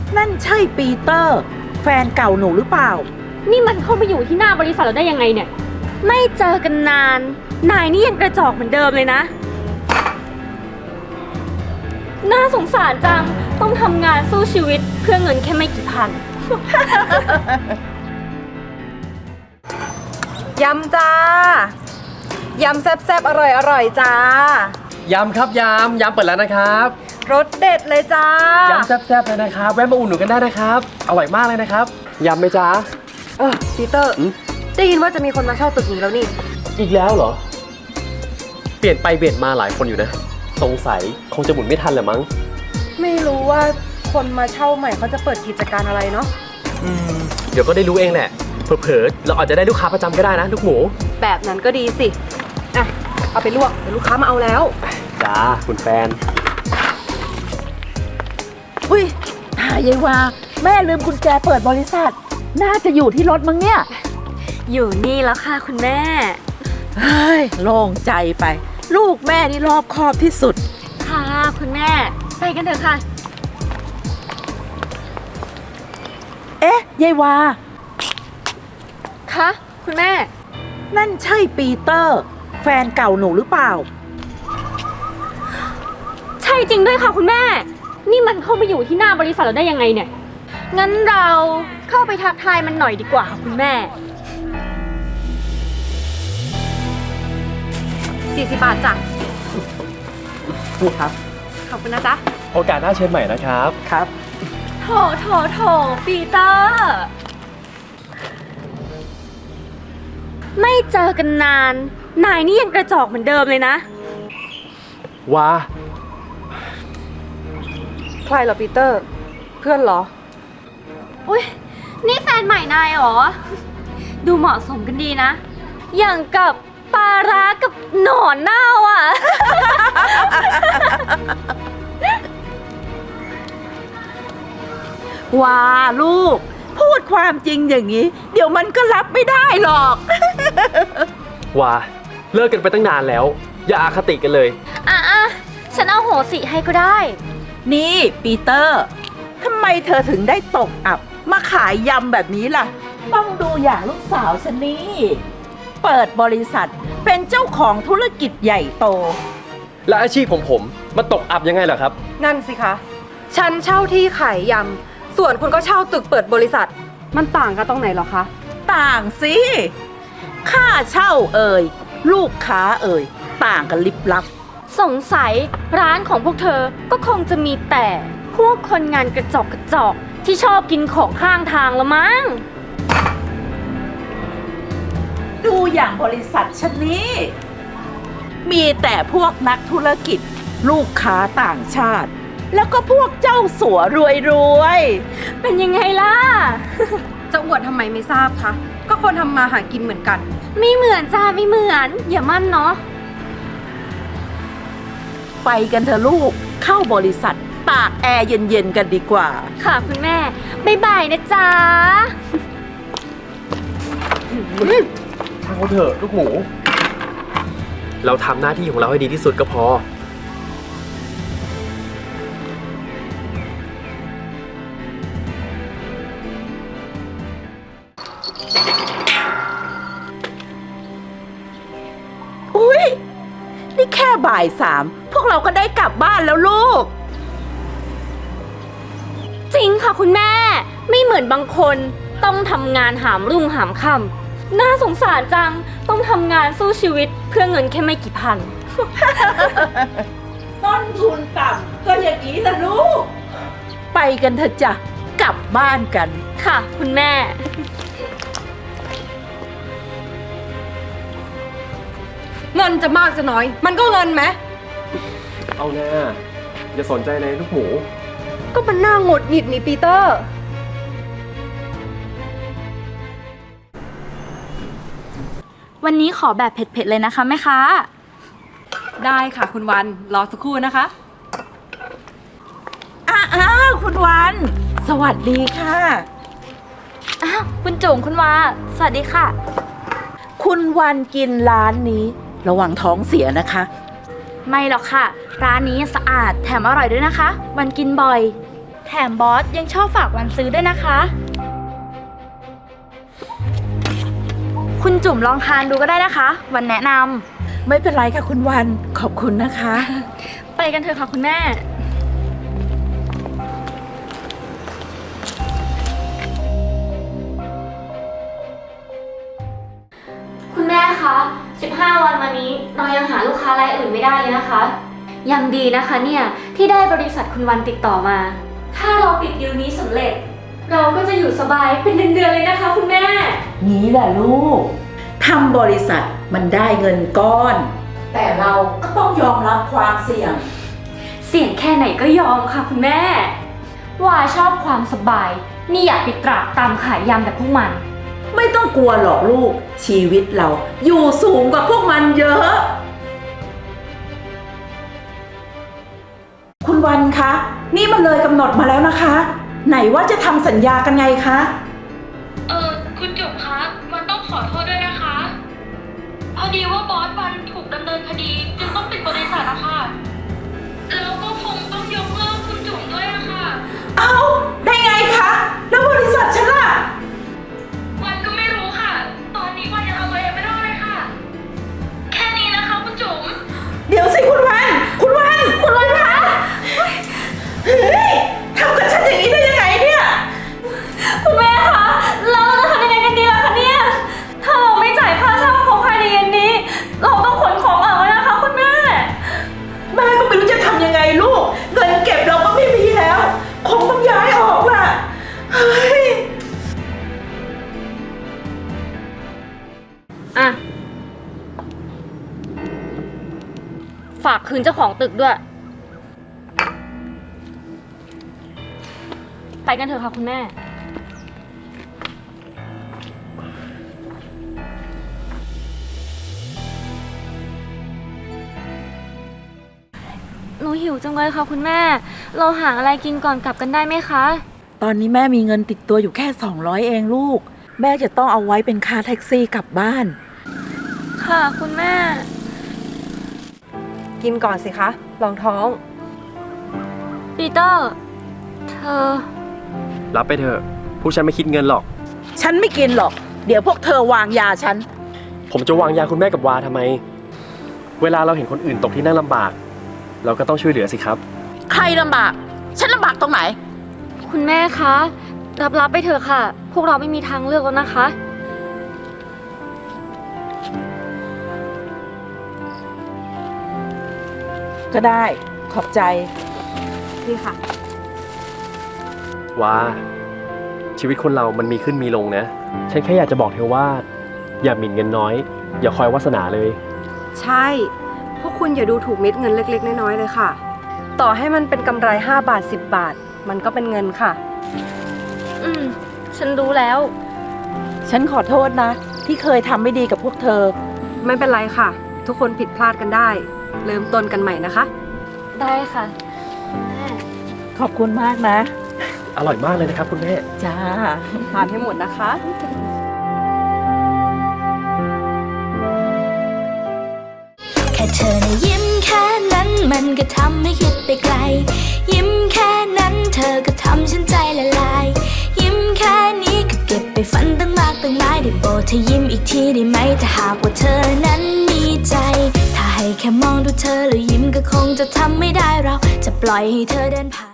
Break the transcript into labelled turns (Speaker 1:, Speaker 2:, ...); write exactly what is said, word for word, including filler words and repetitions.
Speaker 1: นั่นใช่ปีเตอร์แฟนเก่าหนูหรือเปล่า
Speaker 2: นี่มันเข้ามาอยู่ที่หน้าบริษัทเราได้ยังไงเนี่ยไม่เจอกันนานนายนี่ยังกระจอกเหมือนเดิมเลยนะน่าสงสารจังต้องทำงานสู้ชีวิตเพื่อเงินแค่ไม่กี่พัน
Speaker 3: ยำจ้ายำแซ่บๆอร่อยอร่อยจ้าย
Speaker 4: ำครับยำยำเปิดแล้วนะครับ
Speaker 3: รสเด็ดเลยจ้าย
Speaker 4: ำแซ่บๆเลยนะครับแวะมาอุ่นหนุนกันได้นะครับอร่อยมากเลยนะครับยำไหมจ๊ะ
Speaker 3: เออปีเตอร์ได้ยินว่าจะมีคนมาเช่าตึกนี้แล้วนี่
Speaker 4: อีกแล้วเหรอเปลี่ยนไปเปลี่ยนมาหลายคนอยู่นะสงสัยคงจะหมุนไม่ทันแหละมั้ง
Speaker 3: ไม่รู้ว่าคนมาเช่าใหม่เขาจะเปิดกิจการอะไรเนาะ
Speaker 4: อืมเดี๋ยวก็ได้รู้เองแหละเผลอๆเราอาจจะได้ลูกค้าประจำก็ได้นะลูกหมู
Speaker 3: แบบนั้นก็ดีสิอ่ะเอาไปลวกเดี๋ยวลูกค้ามาเอาแล้ว
Speaker 4: จ้าคุณแฟน
Speaker 1: อุ้ยหายายว่าแม่ลืมกุญแจเปิดบริษัทน่าจะอยู่ที่รถมั้งเนี่ย
Speaker 2: อยู่นี่แล้วค่ะคุณแม่
Speaker 1: เฮ้ยโล่งใจไปลูกแม่นี่รอบคอบที่สุด
Speaker 2: ค่ะคุณแม่ไปกันเถอะค่ะ
Speaker 1: เอ๊ะยายวา
Speaker 2: คะคุณแม่
Speaker 1: นั่นใช่ปีเตอร์แฟนเก่าหนูหรือเปล่า
Speaker 2: ใช่จริงด้วยค่ะคุณแม่นี่มันเข้ามาอยู่ที่หน้าบริษัทเราได้ยังไงเนี่ยงั้นเราเข้าไปทักทายมันหน่อยดีกว่าค่ะคุณแม่
Speaker 3: สี่สิบบาทจ้ะ
Speaker 4: พูดครับ
Speaker 3: ขอบคุณนะจ๊ะ
Speaker 4: โอกาสหน้าเชิญใหม่นะครับ
Speaker 1: ครับ
Speaker 2: โถโถโถปีเตอร์ไม่เจอกันนานนายนี่ยังกระจอกเหมือนเดิมเลยนะ
Speaker 4: ว้า
Speaker 3: ใครเหรอปีเตอร์เพื่อนเหรอ
Speaker 2: อุ้ยนี่แฟนใหม่นายเหรอดูเหมาะสมกันดีนะอย่างกับปลาร้ากับหนอนเน่าอ่ะ
Speaker 1: ว้าลูกพูดความจริงอย่างนี้เดี๋ยวมันก็รับไม่ได้หรอก
Speaker 4: ว้าเลิกกันไปตั้งนานแล้วอย่าอาคติกันเลย
Speaker 2: อ่ะอ่ะฉันเอาโหสิให้ก็ได้
Speaker 1: นี่ปีเตอร์ทำไมเธอถึงได้ตกอับมาขายยำแบบนี้ล่ะต้องดูอย่างลูกสาวฉันนี่เปิดบริษัทเป็นเจ้าของธุรกิจใหญ่โต
Speaker 4: และอาชีพของผมมาตกอับยังไงล่ะครับ
Speaker 3: นั่นสิคะฉันเช่าที่ขายยำส่วนคุณก็เช่าตึกเปิดบริษัทมันต่างกันตรงไหนหรอคะ
Speaker 1: ต่างสิค่าเช่าเอ่ยลูกค้าเอ่ยต่างกันลิบลับ
Speaker 2: สงสัยร้านของพวกเธอก็คงจะมีแต่พวกคนงานกระจอกกระจอกที่ชอบกินของข้างทางละมั้ง
Speaker 1: ดูอย่างบริษัทฉันนี้มีแต่พวกนักธุรกิจลูกค้าต่างชาติแล้วก็พวกเจ้าสัวรวยรวย
Speaker 2: เป็นยังไงล่ะ
Speaker 3: จะอวดทำไมไม่ทราบคะก็คนทำมาหากินเหมือนกัน
Speaker 2: ไม่เหมือนจ้าไม่เหมือนอย่ามั่นเนาะ
Speaker 1: ไปกันเถอะลูกเข้าบริษัทตากแอร์เย็นๆกันดีกว่า
Speaker 2: ค่ะคุณแม่บ๊ายบายนะจ๊ะ
Speaker 4: ช่างเขาเถอะลูกหมูเราทำหน้าที่ของเราให้ดีที่สุดก็พอ
Speaker 1: อุ๊ยนี่แค่บ่ายสามพวกเราก็ได้กลับบ้านแล้วลูก
Speaker 2: จริงค่ะคุณแม่ไม่เหมือนบางคนต้องทำงานหามรุ่งหามค่ำน่าสงสารจังต้องทำงานสู้ชีวิตเพื่อเงินแค่ไม่กี่พัน
Speaker 1: ต้นทุนต่ำก็อย่างนี้ละลูกไปกันเถอะจ้ะกลับบ้านกัน
Speaker 2: ค่ะคุณแม่
Speaker 3: เงินจะมากจะน้อยมันก็เงินไหม
Speaker 4: เอาแน่อย่าสนใจเลยลูกหมู
Speaker 3: ก็มันน่าหงุดหงิดนี่ปีเตอร์
Speaker 5: วันนี้ขอแบบเผ็ดๆเลยนะคะแม่ค้า
Speaker 3: ได้ค่ะคุณวันรอสักครู่นะคะ
Speaker 1: อ้าวคุณวันสวัสดีค่ะ
Speaker 5: อ้าวคุณจุ๋มคุณวาสวัสดีค่ะ
Speaker 1: คุณวันกินร้านนี้ระวังท้องเสียนะคะ
Speaker 5: ไม่หรอกค่ะร้านนี้สะอาดแถมอร่อยด้วยนะคะวันกินบ่อย
Speaker 1: แถ
Speaker 5: แถมบอสยังชอบฝากวันซื้อด้วยนะคะ คุณจุ๋มลองทานดูก็ได้นะคะ วันแนะน
Speaker 1: ไม่เป็นไรค่ะคุณวันขอบคุณนะคะ
Speaker 2: ำไปกันเถอะค่ะคุณแม่ คุณแม่คะสิบห้าวันมานี้เรายังหาลูกค้ารายอื่นไม่ได้เลยนะคะ ยังดีนะคะเนี่ยที่ได้บริษัทคุณวันติดต่อมา ถ้าเราปิดดีลนี้สำเร็จ เราก็จะอยู่สบายเป็นเดือนๆเลยนะคะคุณแม่
Speaker 1: งี้แหละลูก ทำบริษัทมันได้เงินก้อน แต่เราก็ต้องยอมรับความเสี่ยง
Speaker 2: เสี่ยงแค่ไหนก็ยอมค่ะคุณแม่ ว่าชอบความสบาย นี่อยากไปตรากตามขายยำแบบพวกมัน
Speaker 1: ไม่ต้องกลัวหรอกลูก ชีวิตเราอยู่สูงกว่าพวกมันเยอะ คุณวันคะ นี่มันเลยกำหนดมาแล้วนะคะ ไหนว่าจะทำสัญญากันไงคะ
Speaker 2: เออคุณจุ๋มคะวันต้องขอโทษด้วยนะคะ พอดีว่าบอสวันถูกดำเนินคดีจึงต้องปิดบริษัทนะคะแล้วก็คงต้องยกเลิกคุณจุ๋มด้วยนะคะ
Speaker 1: เอ้า ได้ไงคะ แล้วบริษัทฉันล่ะ
Speaker 2: วันก็ไม่รู้ค่ะ ตอนนี้วันยังเอาไว้ไม่ได้เลยค่ะ แค่นี้นะคะคุณจุ๋ม
Speaker 1: เดี๋ยวสิคุณวัน คุณวัน คุณวันคะเฮ้ยทำกับฉันอย่างนี้ได้ยังไงเนี่ย
Speaker 2: คุณแม่คะเราจะทำยังไงกันดีล่ะคะเนี่ย ถ้าเราไม่จ่ายค่าเช่าเขาภายในเย็นนี้ เราต้องขนของออกแล้วนะคะคุณแม่
Speaker 1: แม่ก็ไม่รู้จะทำยังไงลูก เงินเก็บเราก็ไม่มีแล้ว คงต้องย้ายออกล่ะ เฮ้ย
Speaker 2: อ่ะ ฝากคืนเจ้าของตึกด้วย ไปกันเถอะค่ะคุณแม่ หนูหิวจังเลยค่ะคุณแม่ เราหาอะไรกินก่อนกลับกันได้ไหมคะ
Speaker 1: ตอนนี้แม่มีเงินติดตัวอยู่แค่สองร้อยเองลูก แม่จะต้องเอาไว้เป็นค่าแท็กซี่กลับบ้าน
Speaker 2: ค่ะคุณแม่
Speaker 3: กินก่อนสิคะรองท้อง
Speaker 2: ปีเตอร์ เธอ
Speaker 4: รับไปเถอะผู้ฉันไม่คิดเงินหรอก
Speaker 1: ฉันไม่กินหรอก เดี๋ยวพวกเธอวางยาฉัน
Speaker 4: ผมจะวางยาคุณแม่กับวาทำไม เวลาเราเห็นคนอื่นตกที่นั่งลำบาก เราก็ต้องช่วยเหลือสิครับ
Speaker 1: ใครลำบาก ฉันลำบากตรงไหน
Speaker 2: คุณแม่คะ รับรับไปเถอะค่ะ พวกเราไม่มีทางเลือกแล้วนะคะ
Speaker 1: ก็ได้ ขอบใจ
Speaker 3: นี่ค่ะ
Speaker 4: ว่าชีวิตคนเรามันมีขึ้นมีลงนะ ฉันแค่อยากจะบอกเธอว่า อย่าหมิ่นเงินน้อย อย่าคอยวาสนาเลย
Speaker 3: ใช่ พวกคุณอย่าดูถูกเม็ดเงินเล็กๆน้อยๆเลยค่ะ ต่อให้มันเป็นกำไรห้าบาทสิบบาท มันก็เป็นเงินค่ะ
Speaker 2: อืม ฉันรู้แล้ว
Speaker 1: ฉันขอโทษนะ ที่เคยทำไม่ดีกับพวกเธอ
Speaker 3: ไม่เป็นไรค่ะ ทุกคนผิดพลาดกันได้ เริ่มต้นกันใหม่นะคะ
Speaker 2: ได้ค่ะ
Speaker 1: ขอบคุณมากนะ
Speaker 4: อร่อยมากเลยนะครับคุณแม่
Speaker 1: จ้า
Speaker 3: ทานให้หมดนะคะ
Speaker 6: แค่เธอนะยิ้มแค่นั้นมันก็ทำให้คิดไปไกล ยิ้มแค่นั้นเธอก็ทำฉันใจละลาย ยิ้มแค่นี้ก็เก็บไปฝันตั้งมากตั้งหลายได้โปรดเธอยิ้มอีกทีได้ไหมถ้าหากว่าเธอนั้นมีใจ ถ้าให้แค่มองดูเธอแล้วยิ้มก็คงจะทำไม่ได้เราจะปล่อยให้เธอเดินผ่าน